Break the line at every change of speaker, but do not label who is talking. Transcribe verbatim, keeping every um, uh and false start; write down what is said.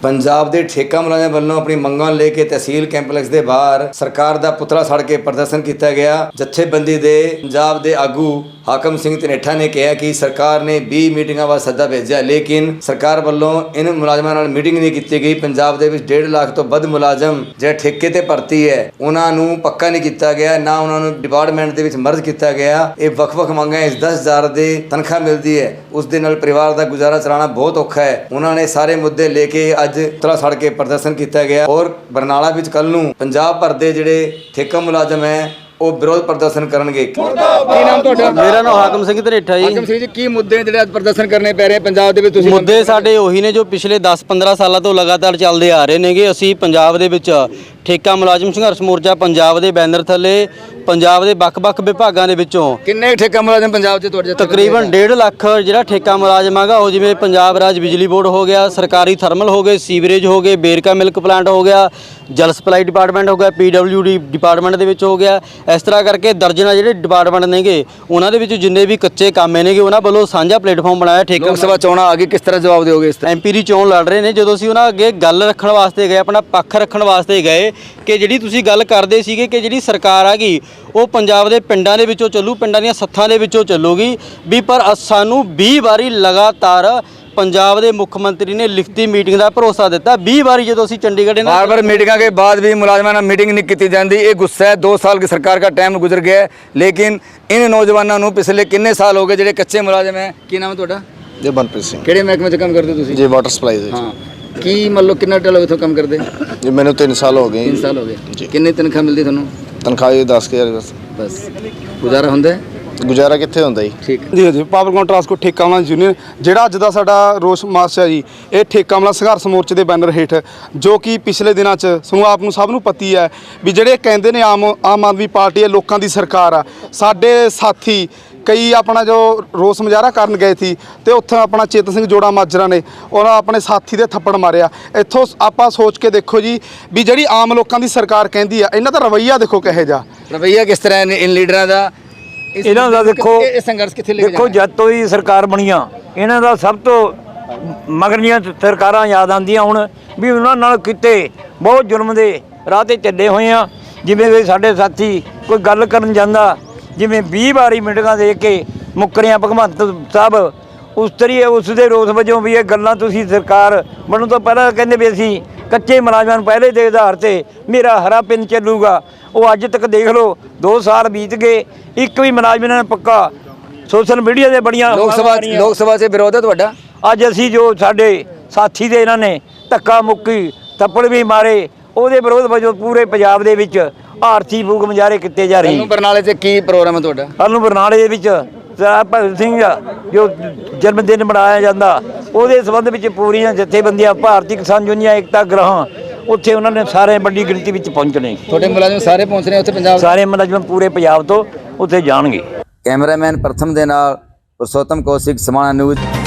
पंजाब के ठेका मुलाजम वालों अपनी मंगों लेके तहसील कैंपलैक्स के बाहर सरकार का पुतला सड़ के प्रदर्शन किया गया। जत्थेबंदी के पंजाब के आगू हाकम सिंह धनेठा ने कहा कि सरकार ने बीस मीटिंगों वास्ते सद्दा भेजा, लेकिन सरकार वालों इन मुलाजमान नाल मीटिंग नहीं की गई। पंजाब के डेढ़ लाख तो वध मुलाजम जो ठेके ते भर्ती है उन्होंने पक्का नहीं किया गया, ना उन्होंने डिपार्टमेंट के मर्ज किया गया। ये वख वख मंगां इस दस हज़ार की तनख्वाह मिलती है, उस दे नाल परिवार का गुजारा चलाना बहुत औखा है। उन्होंने सारे मुद्दे लेके अज पुतला सड़ के प्रदर्शन किया गया और बरनाला विच कल नूं पंजाब भर दे जिहड़े ठेका मुलाजम है वो विरोध प्रदर्शन करनगे। की नाम तुहाडा?
मेरा नाम हाकम सिंह धनेठा जी।
हाकम सिंह जी, की मुद्दे ने जिहड़े प्रदर्शन करने पै रहे पंजाब दे विच? तुसीं
मुद्दे साडे ओही ने जो पिछले दस पंद्रह सालों तो लगातार चलते आ रहे नेगे। असीं पंजाब दे विच ठेका मुलाजम संघर्ष मोर्चा पंजाब दे बैनर थले पंजाब दे ਵੱਖ-ਵੱਖ विभागों के विचों
किन्ने ठेका मुलाजम पंजाब च तुहाडे?
तकरीबन डेढ़ लाख जिहड़ा ठेका मुलाजम हैगा वो जिवें पंजाब राज बिजली बोर्ड हो गया, सरकारी थर्मल हो गए, सीवरेज हो गए, बेरका मिल्क प्लांट हो गया, जल सप्लाई डिपार्टमेंट हो गया, पी डब्ल्यू डी डिपार्टमेंट दे विच हो गया। इस तरह करके दर्जना जिहड़े डिपार्टमेंट नेगे उन्हां दे विच जिन्ने भी कच्चे काम नेगे उन्हां वल्लों साझा प्लेटफॉर्म बनाया। ठेका
लोक सभा चोणां आ गई, किस तरह जवाब दोगे इस तरह?
एम पी दी चोण लड़ रहे ने। जदों असीं उन्हां अगे गल रखण वास्ते गए, अपना पक्ष रखण वास्ते गए कि जिहड़ी तुसीं गल करदे सीगे कि जिहड़ी सरकार आ गई वो पंजाब दे पिंडां दे विचों ਚੱਲੂ, पिंडां ਦੀਆਂ ਸੱਥਾਂ ਦੇ ਵਿੱਚੋਂ ਚੱਲੂਗੀ भी, पर ਸਾਨੂੰ बीस ਵਾਰੀ लगातार पंजाब के मुख्यमंत्री ने लिखती मीटिंग का भरोसा दिता। बीस बारी जो असीं चंडीगढ़
बार बार मीटिंगों के बाद भी मुलाजमान मीटिंग नहीं की जाती। ये गुस्सा है, दो साल की सरकार का टाइम गुजर गया है, लेकिन इन नौजवानों को पिछले किन्ने साल हो गए जो कच्चे मुलाजम है। की नाम है तुहाडा?
जी मनप्रीत सिंह।
किहड़े महकमे च काम करते तुसीं?
जी वाटर सप्लाई दे।
हाँ, की मतलब कितना टाइम इत्थों काम करते?
जी मैंने तीन साल हो गए।
तीन साल हो गए
जी।
किन्नी तनख्वाह मिलती थानू?
तनख्वाह जी दस हज़ार बस।
बस गुजारा हुंदा है?
गुजारा कित्थे हुंदा जी।
ठीक
जी जी पावरकॉम ट्रांसपोर्ट ठेका मुलाजम यूनियन ਜਿਹੜਾ ਅੱਜ ਦਾ ਸਾਡਾ ਰੋਸ ਮਾਰਚ ਹੈ ਜੀ, ਇਹ ਠੇਕਾ ਮੁਲਾਜ਼ਮ ਸੰਘਰਸ਼ ਮੋਰਚੇ ਦੇ ਬੈਨਰ ਹੇਠ ਜੋ ਕਿ ਪਿਛਲੇ ਦਿਨਾਂ 'ਚ ਸਾਨੂੰ ਆਪ ਨੂੰ ਸਭ ਨੂੰ ਪਤੀ ਹੈ ਵੀ ਜਿਹੜੇ ਕਹਿੰਦੇ ਨੇ ਆਮ ਆਮ ਆਦਮੀ ਪਾਰਟੀ ਹੈ ਲੋਕਾਂ ਦੀ ਸਰਕਾਰ ਆ। ਸਾਡੇ ਸਾਥੀ ਕਈ ਆਪਣਾ ਜੋ ਰੋਸ ਮੁਜ਼ਾਹਰਾ ਕਰਨ ਗਏ ਸੀ ਤੇ ਉੱਥੇ ਆਪਣਾ ਚੇਤਨ ਸਿੰਘ ਜੋੜਾ ਮਾਜਰਾ ਨੇ ਉਹਨਾਂ ਆਪਣੇ ਸਾਥੀ ਦੇ ਥੱਪੜ ਮਾਰਿਆ। ਇੱਥੋਂ ਆਪਾਂ ਸੋਚ ਕੇ ਦੇਖੋ ਜੀ ਵੀ ਜਿਹੜੀ ਆਮ ਲੋਕਾਂ ਦੀ ਸਰਕਾਰ ਕਹਿੰਦੀ ਆ, ਇਹਨਾਂ ਦਾ ਰਵੱਈਆ ਦੇਖੋ ਕਿਹੋ ਜਿਹਾ
ਰਵੱਈਆ ਕਿਸ ਤਰ੍ਹਾਂ ਹੈ ਇਨ ਲੀਡਰਾਂ ਦਾ।
ਇਹਨਾਂ ਦਾ ਦੇਖੋ
ਇਹ ਸੰਘਰਸ਼ ਕਿੱਥੇ ਲੈ ਕੇ
ਦੇਖੋ ਜਦ ਤੋਂ ਹੀ ਸਰਕਾਰ ਬਣੀਆਂ ਇਹਨਾਂ ਦਾ ਸਭ ਤੋਂ ਮਗਰਲੀਆਂ ਸਰਕਾਰਾਂ ਯਾਦ ਆਉਂਦੀਆਂ ਹੁਣ ਵੀ ਉਹਨਾਂ ਨਾਲ ਕਿਤੇ ਬਹੁਤ ਜ਼ੁਲਮ ਦੇ ਰਾਹ ਤੇ ਚੱਲੇ ਹੋਏ ਆ। ਜਿਵੇਂ ਕਿ ਸਾਡੇ ਸਾਥੀ ਕੋਈ ਗੱਲ ਕਰਨ ਜਾਂਦਾ ਜਿਵੇਂ ਵੀਹ ਵਾਰੀ ਮੀਟਿੰਗਾਂ ਦੇ ਕੇ ਮੁੱਕਰਿਆ ਭਗਵੰਤ ਸਾਹਿਬ ਉਸ ਤਰੀ ਉਸ ਦੇ ਰੋਸ ਵਜੋਂ ਵੀ ਇਹ ਗੱਲਾਂ ਤੁਸੀਂ ਸਰਕਾਰ ਬਣਨ ਤੋਂ ਪਹਿਲਾਂ ਕਹਿੰਦੇ ਵੀ ਅਸੀਂ ਕੱਚੇ ਮੁਲਾਜ਼ਮਾਂ ਨੂੰ ਪਹਿਲੇ ਦੇ ਆਧਾਰ ਤੇ ਮੇਰਾ ਹਰਾ ਪਿੰਨ ਚੱਲੂਗਾ। ਉਹ ਅੱਜ ਤੱਕ ਦੇਖ ਲਓ ਦੋ ਸਾਲ ਬੀਤ ਗਏ, ਇੱਕ ਵੀ ਮੁਲਾਜ਼ਮ ਨੇ ਪੱਕਾ ਸੋਸ਼ਲ ਮੀਡੀਆ ਦੇ ਬੜੀਆਂ
ਲੋਕ ਸਭਾ ਲੋਕ ਸਭਾ 'ਚ ਵਿਰੋਧ ਹੈ ਤੁਹਾਡਾ?
ਅੱਜ ਅਸੀਂ ਜੋ ਸਾਡੇ ਸਾਥੀ ਦੇ ਇਹਨਾਂ ਨੇ ਧੱਕਾ ਮੁੱਕੀ ਥੱਪੜ ਵੀ ਮਾਰੇ ਉਹਦੇ ਵਿਰੋਧ ਵਜੋਂ ਪੂਰੇ ਪੰਜਾਬ ਦੇ ਵਿੱਚ ਆਰਥੀ ਫੂਕ ਮੁਜ਼ਾਹਰੇ ਕੀਤੇ ਜਾ ਰਹੇ।
ਬਰਨਾਲੇ 'ਚ ਕੀ ਪ੍ਰੋਗਰਾਮ ਹੈ ਤੁਹਾਡਾ?
ਕੱਲ੍ਹ ਨੂੰ ਬਰਨਾਲੇ ਦੇ ਵਿੱਚ ਭਗਤ ਸਿੰਘ ਜੋ ਜਨਮ ਦਿਨ ਮਨਾਇਆ ਜਾਂਦਾ ਉਹਦੇ ਸੰਬੰਧ ਵਿੱਚ ਪੂਰੀਆਂ ਜਥੇਬੰਦੀਆਂ ਭਾਰਤੀ ਕਿਸਾਨ ਯੂਨੀਅਨ ਏਕਤਾ ਗ੍ਰਹਿ ਉੱਥੇ ਉਹਨਾਂ ਨੇ ਸਾਰੇ ਵੱਡੀ ਗਿਣਤੀ ਵਿੱਚ ਪਹੁੰਚਣੇ।
ਤੁਹਾਡੇ ਮੁਲਾਜ਼ਮ ਸਾਰੇ ਪਹੁੰਚ ਰਹੇ ਉੱਥੇ ਪੰਜਾਬ?
ਸਾਰੇ ਮੁਲਾਜ਼ਮ ਪੂਰੇ ਪੰਜਾਬ ਤੋਂ ਉੱਥੇ ਜਾਣਗੇ।
ਕੈਮਰਾਮੈਨ ਪ੍ਰਥਮ ਦੇ ਨਾਲ ਪੁਰਸ਼ੋਤਮ ਕੌਸ਼ਿਕ, ਸਮਾਣਾ ਨਿਊਜ਼।